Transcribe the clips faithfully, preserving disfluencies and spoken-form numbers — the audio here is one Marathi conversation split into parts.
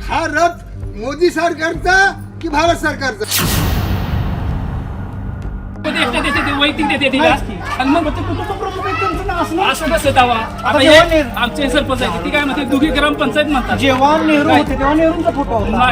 हा रथ मोदी सरकारचा की भारत सरकारचा? वैयक्तिक देते तिला आणि मग असं कसं दावा आता हे आमचे सरपंच आहे ती काय म्हणते दुधी ग्रामपंचायत म्हणतात जेव्हा नेहरू होते तेव्हा नेहरूंचा फोटो होता.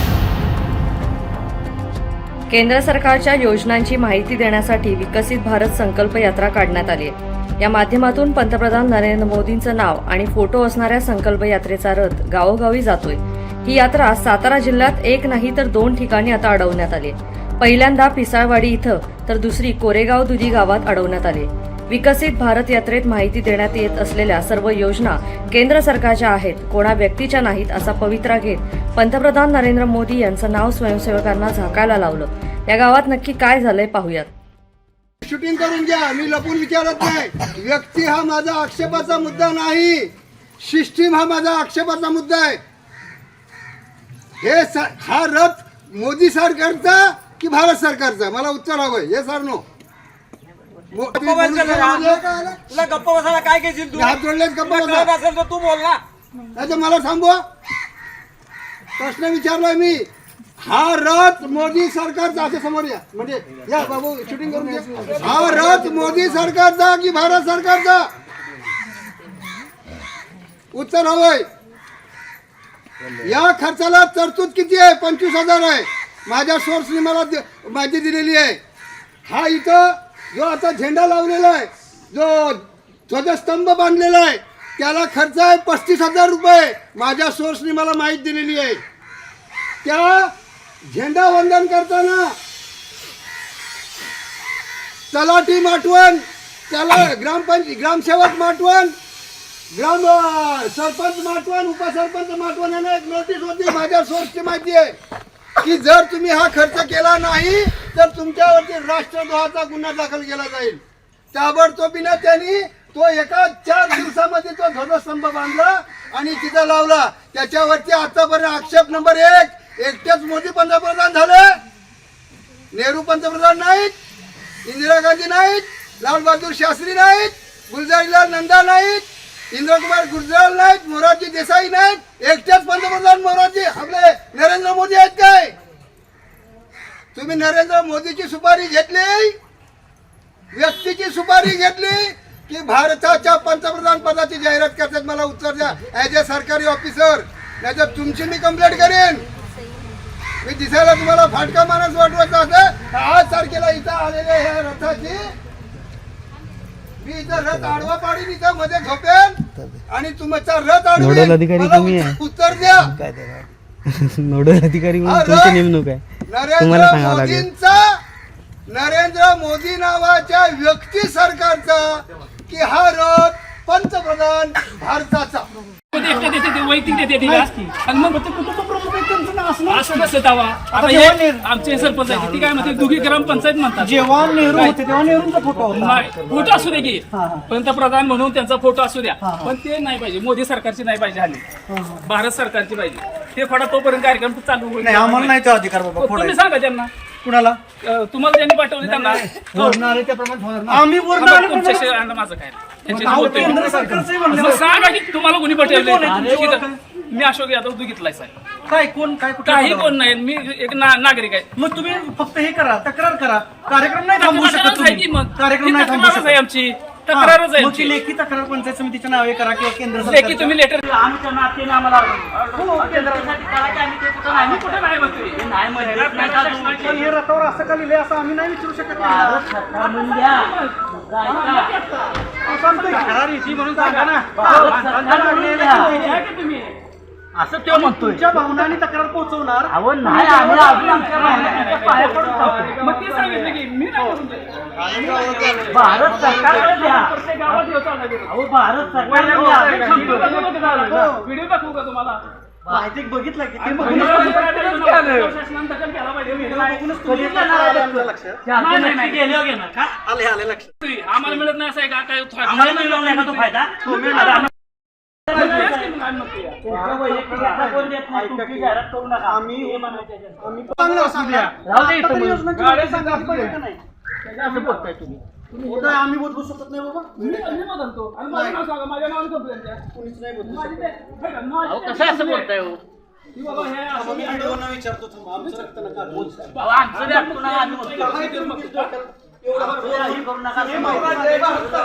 केंद्र सरकारच्या योजनांची माहिती देण्यासाठी विकसित भारत संकल्प यात्रा काढण्यात आली आहे. या माध्यमातून पंतप्रधान नरेंद्र मोदींचं नाव आणि फोटो असणाऱ्या संकल्प यात्रेचा रथ गावोगावी जातोय. ही यात्रा सातारा जिल्ह्यात एक नाही तर दोन ठिकाणी आता अडवण्यात आली. पहिल्यांदा पिसाळवाडी इथं तर दुसरी कोरेगाव दुधी गावात अडवण्यात आली. विकसित भारत यात्रेत माहिती देण्यात येत असलेल्या सर्व योजना केंद्र सरकारच्या आहेत, कोणा व्यक्तीच्या नाहीत असा पवित्रा घेत पंतप्रधान नरेंद्र मोदी यांचं नाव स्वयंसेवकांना झाकायला लावलं. या गावात नक्की काय झालंय पाहूयात. शूटिंग करून घ्या, मी लपून विचारत नाही. व्यक्ती हा माझा आक्षेपाचा मुद्दा नाही, सिस्टीम हा माझा आक्षेपाचा मुद्दा आहे. हे हा रथ मोदी सरकारचा की भारत सरकारचा? मला उत्तर हवंय. हे सर नो तुला गप्पा बसायला काय घेशील तू? हात जोडलेत गप्पा बसा असेल तर तू बोल ना. नाही मला थांबवा. प्रश्न विचारलाय मी. हा रथ मोदी सरकारचा, असे समोर या, म्हणजे या बाबू शूटिंग करून घ्या. हा रथ मोदी सरकारचा की भारत सरकारचा? उत्तर हवंय. या खर्चाला तरतूद किती आहे? पंचवीस हजार आहे. माझ्या सोर्सने मला माहिती दिलेली आहे. हा इथं जो आता झेंडा लावलेला आहे, जो ध्वजस्तंभ बांधलेला आहे, त्याला खर्च आहे पस्तीस हजार रुपये. माझ्या सोर्सने मला माहिती दिलेली आहे. त्या झेंडा वंदन करताना तलाठी माटवण, त्याला ग्रामपंच ग्रामसेवक माटवण, ग्राम सरपंच माटवण, उपसरपंच माटवण यांना एक नोटीस होती. माझ्या सोर्सची माहिती आहे की जर तुम्ही हा खर्च केला नाही तर तुमच्यावरती राष्ट्रद्रोहाचा गुन्हा दाखल केला जाईल. ताबडतोबीने त्यांनी तो एका चार दिवसामध्ये तो ध्वजस्तंभ बांधला आणि तिथं लावला. त्याच्यावरती आतापर्यंत आक्षेप नंबर एक, एकटेच मोदी पंतप्रधान झाले, नेहरू पंतप्रधान नाहीत, इंदिरा गांधी नाहीत, लाल बहादूर शास्त्री नाहीत, गुलजारीलाल नंदा नाहीत, इंद्रकुमार गुजराल नाहीत, मोरारजी देसाई नाहीत, एकटेच पंतप्रधान मोरारजी आपले नरेंद्र मोदी आहेत. काय तुम्ही नरेंद्र मोदीची सुपारी घेतली, व्यक्तीची सुपारी घेतली की भारताच्या पंतप्रधान पदाची जाहिरात करतात? मला उत्तर द्या ऍज अ सरकारी ऑफिसर, नाहीतर तुमची मी कंप्लेंट करेन. मी दिसायला तुम्हाला फाटका माणूस वाटवायचा असेल आज तारखेला इथं आलेल्या ह्या रथाची मी इथं रथ आडवा पाडीन, इथं मध्ये झोपेन आणि तुमचा रथ आडवेन. उत्तर द्या. नोडल अधिकारी म्हणून तुमची नेमणूक आहे, तुम्हाला सांगावं लागेल. मोदींचा, नरेंद्र मोदी नावाच्या व्यक्ती सरकारचा की हा रथ पंतप्रधान भारताचा? वैयक्तिक देते तिला आणि मग असं कसं दावा आता हे आमचे सरपंच आहे ती काय म्हणते दुधी ग्रामपंचायत म्हणतात. जेव्हा नेहरू होते तेव्हा नेहरूंचा फोटो होता. फोटो असू दे की पंतप्रधान म्हणून त्यांचा फोटो असू द्या, पण ते नाही पाहिजे. मोदी सरकारची नाही पाहिजे, हल्ली भारत सरकारची पाहिजे. ते फोडा तोपर्यंत कार्यक्रम चालू होईल. आम्हाला नाही तो अधिकार बाबा. तुम्ही सांगा त्यांना. कुणाला? तुम्हाला त्यांनी पाठवले त्यांना आम्ही तुमच्याशी माझं काय सांगा की तुम्हाला कोणी पाठवले. मी अशोक यादव दुघितलाय साहेब. काय कोण काय काही कोण नाही, मी एक नागरिक आहे. मग तुम्ही फक्त हे करा, तक्रार करा. कार्यक्रम नाही थांबवू शकत तुम्ही. मग कार्यक्रम नाही थांबवू शकत. आमची तक्रारच आहे. मग ती लेखी तक्रार पंचायत समितीच्या नावे करा किंवा केंद्र सरकार लेखी तुम्ही लेटर आमच्या नात्याने आम्हाला केंद्रासाठी करा की आम्ही ते कुठं नाही. आम्ही कुठे नाही म्हणतोय. नाही म्हणजे हे रथावर असं का लिहिलंय असं आम्ही नाही विचारू शकत. म्हणून सांगा ना. तुम्ही असं तो म्हणतोय. तुमच्या भावनांनी तक्रार पोहोचवणार. मग ते सांगितलं की मी भारत सरकार प्रत्येक गावात भारत सरकार व्हिडिओ दाखवू का तुम्हाला? माहिती बघितलं की ते आम्हाला मिळत नाही असं आहे का? काय आम्हाला मिळणार नाही का तो फायदा? आम्ही बदलू शकत नाही बाबा. माझ्या नावाने कंप्लेंट द्या. कोणीच नाही बदलू शकत. कसं असं बोलताय? की बाबा हे असं मी व्हिडिओना विचारतो थांबा, आमचं रक्त नका घालू. बाबा, आमचं बी ऐकतो ना, आम्ही म्हणतो. एवढं हे करू नका. हे माहिती आहे, भारत